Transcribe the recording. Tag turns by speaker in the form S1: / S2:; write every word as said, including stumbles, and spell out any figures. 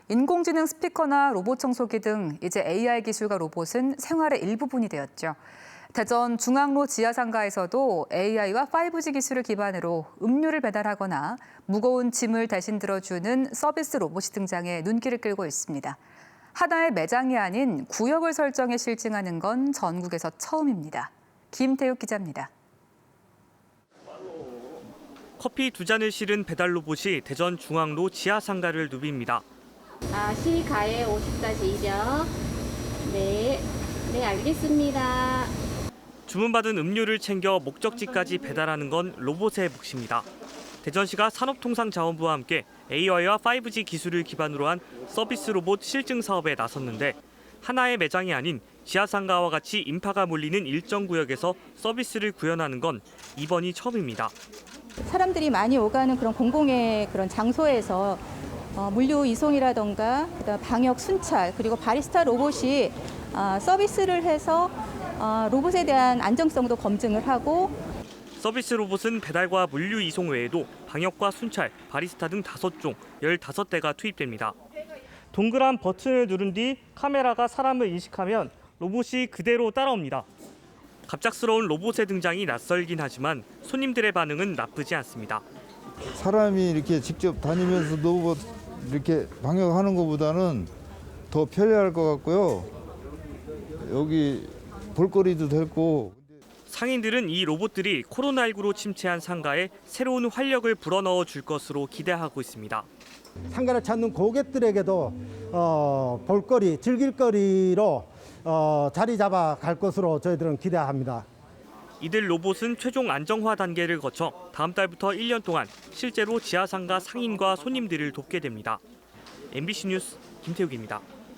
S1: 인공지능 스피커나 로봇 청소기 등 이제 에이아이 기술과 로봇은 생활의 일부분이 되었죠. 대전 중앙로 지하상가에서도 에이아이와 파이브지 기술을 기반으로 음료를 배달하거나 무거운 짐을 대신 들어주는 서비스 로봇이 등장해 눈길을 끌고 있습니다. 하나의 매장이 아닌 구역을 설정해 실증하는 건 전국에서 처음입니다. 김태욱 기자입니다.
S2: 커피 두 잔을 실은 배달 로봇이 대전 중앙로 지하상가를 누빕니다.
S3: 아, 시가에 오십 이죠. 네, 네 알겠습니다.
S2: 주문받은 음료를 챙겨 목적지까지 배달하는 건 로봇의 몫입니다. 대전시가 산업통상자원부와 함께 에이아이와 파이브지 기술을 기반으로 한 서비스 로봇 실증 사업에 나섰는데 하나의 매장이 아닌 지하상가와 같이 인파가 몰리는 일정 구역에서 서비스를 구현하는 건 이번이 처음입니다.
S4: 사람들이 많이 오가는 그런 공공의 그런 장소에서 어, 물류 이송이라던가 그다음 방역 순찰 그리고 바리스타 로봇이 어, 서비스를 해서 어, 로봇에 대한 안정성도 검증을 하고
S2: 서비스 로봇은 배달과 물류 이송 외에도 방역과 순찰, 바리스타 등 다섯 종, 열다섯 대가 투입됩니다. 동그란 버튼을 누른 뒤 카메라가 사람을 인식하면 로봇이 그대로 따라옵니다. 갑작스러운 로봇의 등장이 낯설긴 하지만 손님들의 반응은 나쁘지 않습니다.
S5: 사람이 이렇게 직접 다니면서 로봇 이렇게 방역하는 것보다는 더 편리할 것 같고요. 여기 볼거리도 됐고.
S2: 상인들은 이 로봇들이 코로나십구로 침체한 상가에 새로운 활력을 불어넣어 줄 것으로 기대하고 있습니다.
S6: 상가를 찾는 고객들에게도 어, 볼거리, 즐길거리로 어, 자리 잡아 갈 것으로 저희들은 기대합니다.
S2: 이들 로봇은 최종 안정화 단계를 거쳐 다음 달부터 일 년 동안 실제로 지하상가 상인과 손님들을 돕게 됩니다. 엠비씨 뉴스 김태욱입니다.